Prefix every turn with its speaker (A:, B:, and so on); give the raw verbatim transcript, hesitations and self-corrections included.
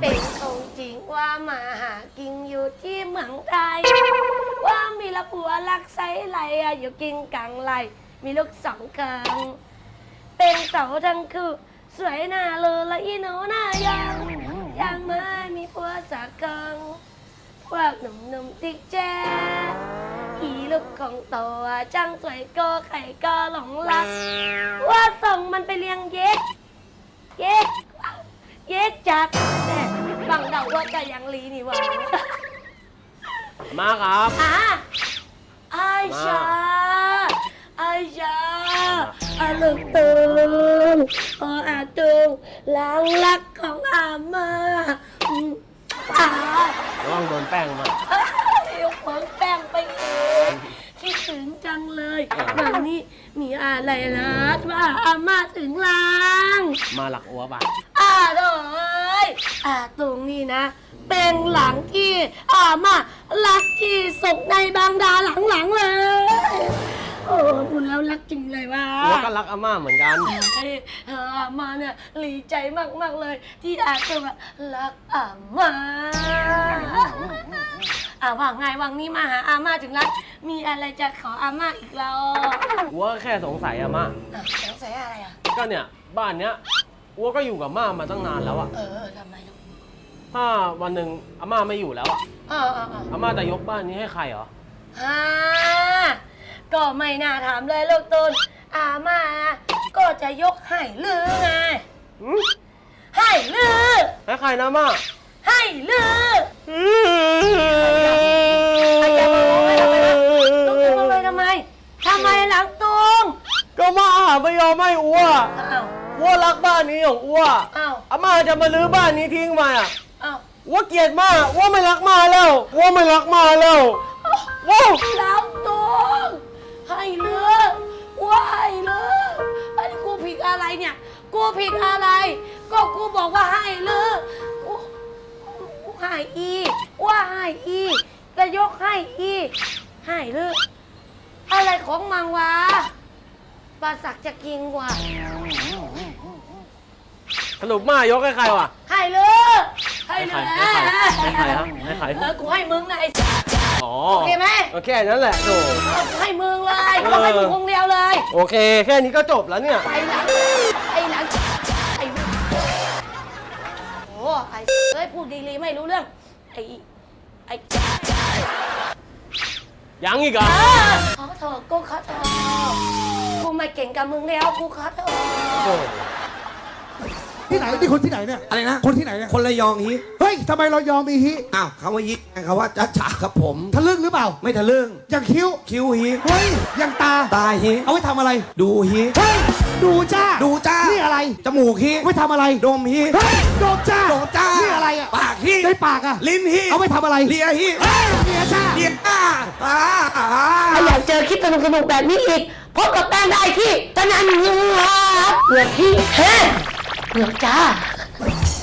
A: เป็นของจริงว่ามาหากินอยู่ที่เมืองไทยว่ามีละผัวรักไซไหลอยู่กินกลางไหลมีลูกสองเกิงเป็นเสาทั้งคือสวยหน้าเลยและอีหนูหน้ายังยังไม่มีผัวสักเกิงพวกหนุ่มๆติ๊กแจ๊อีลูกของตัวจังสวยก็ไข่ก็หลงรักว่าส่งมันไปเลี้ยงเย็กเย็กเย็กจักแน่บังเดาว่าจะยังลีนี่วะ
B: มาครับ
A: อ่ะไอชาไอชาอาลูกตูงออาตูงล้างรักของอาม่าอืมอ่า
B: ระวังโดนแป้งมา
A: เดี๋ยวเพิ่งแป้งไปเองคิดถึงจังเลยวันนี้มีอะไรล่ะว่าอาม่าถึงล้าง
B: มาหลักอัวบะ
A: อ่าโดยอ่าตรงนี้นะ เป็นหลังที่อาม่ารักที่สุดในบางดาหลังๆเลยโอ้พูดแล้วรักจริงเลยว่า
B: อัวก็รักอาม่าเหมือนกัน
A: เฮ้ยเอออาม่าเนี่ยดีใจมากๆเลย ที่อาตัวรักอาม่าอ่าว่างไงว่างนี้มาหาอาม่าถึงรักมีอะไรจะขออาม่าอีกแล้ว
B: อัวแค่สงสัยอาม่า
A: อ่ะสงสัยอะไรอ่ะ
B: ก็เนี่ยบ้านเนี้ยอัวก็อยู่กับม่ามาตั้งนานแล้วอะ
A: เออทำไมลูก
B: ถ้าวันหนึ่งอาม่าไม่อยู่แล้วอะ
A: เออเออเออ
B: อาม่าจะยกบ้านนี้ให้ใครเหรอ
A: ฮ่าก็ไม่น่าถามเลยลูกตุนอาม่าก็จะยกให้ลือไง
B: หืม
A: ให้ลือ
B: ให้ใครนะม่า
A: ให้ลืออย่ามาร้องให้ทำไมนะลูกตุนทำไมทำไมทำไมหลังตุง
B: ก็ม่าไม่ยอมให้อัว
A: อ้าว
B: อัวรักบ้านนี้ของอัว
A: อ้าว
B: อาม่าจะมาลื้อบ้านนี้ทิ้งมาอะ
A: อ้าว
B: อัวเกลียดม่าอัวไม่รักม่าแล้วอัวไม่รักม่าแล้วว้าว
A: หลังตุงให้ลือว่าให้ลือไอ้กูผิดอะไรเนี่ยกูผิดอะไร ก็กูบอกว่าให้ลือกูกูให้อีว่าให้อีจะยกให้อีให้ลืออะไรของมังวะปลาสักจะกินกว่า
B: สรุปม่ายกให้ใครวะ
A: ให้เลยให้
B: ให้
A: เล
B: ใคร
A: ย
B: ให้ใครให้ใครครับให้ใคร
A: เออกูให้มึงนะไอ้สัส
B: อ๋อ
A: โอเคไหม
B: โอเคนั่นแหละโถ
A: เออกูให้มึงเลย
B: เออ
A: กูให้มึงคงเดียวเลย
B: โอเค แค่นี้ก็จบแล้วเนี่ย
A: ไอ้หลังไอ้หลังไอ้โอ้ไอ้เอ้ยพูดดีๆไม่รู้เรื่องไอ้ไอ้
B: ยังอีกเหรอ่ะ
A: เออขอโทษกูขอโทษกูไม่เก่งกับมึงแล้วกูขอโทษ
C: ที่ไหนนี่คนที่ไหนเนี่ย
D: อะไรนะ
C: คนที่ไหนเนี่ย
D: คนระยองฮิ
C: เฮ้ยทำไมเรายอมมีฮิ
D: อ้าวคำว่ายิคำว่าจ้าจ๋าครับผม
C: ทะลึ่งหรือเปล่า
D: ไม่ทะลึ่ง
C: อย่างคิ้ว
D: คิ้วฮิ
C: เฮ้ยอย่างตา
D: ตาฮิ
C: เอาไว้ทำอะไร
D: ดูฮิ
C: เฮ้ยดูจ้า
D: ดูจ้า
C: นี่อะไร
D: จมูกฮิ
C: ไว้ทำอะไร
D: ดมฮิ
C: เฮ้ยโดมจ้า
D: โดจ้า
C: นี่อะไรอ่ะ
D: ปากฮิ
C: ได้ปากอ่ะ
D: ลิ้นฮิ
C: เอาไว้ทำอะไร
D: เลียฮิ
C: เฮ้ยเมียจ้า
D: เลียอ้าอ้าอ้า
A: ถ้าอยากเจอคลิปสนุกๆแบบนี้อีกพบกับแป้งได้ที่ตะนันเหงือกเหงือกที่เฮ้เหงือกจ้า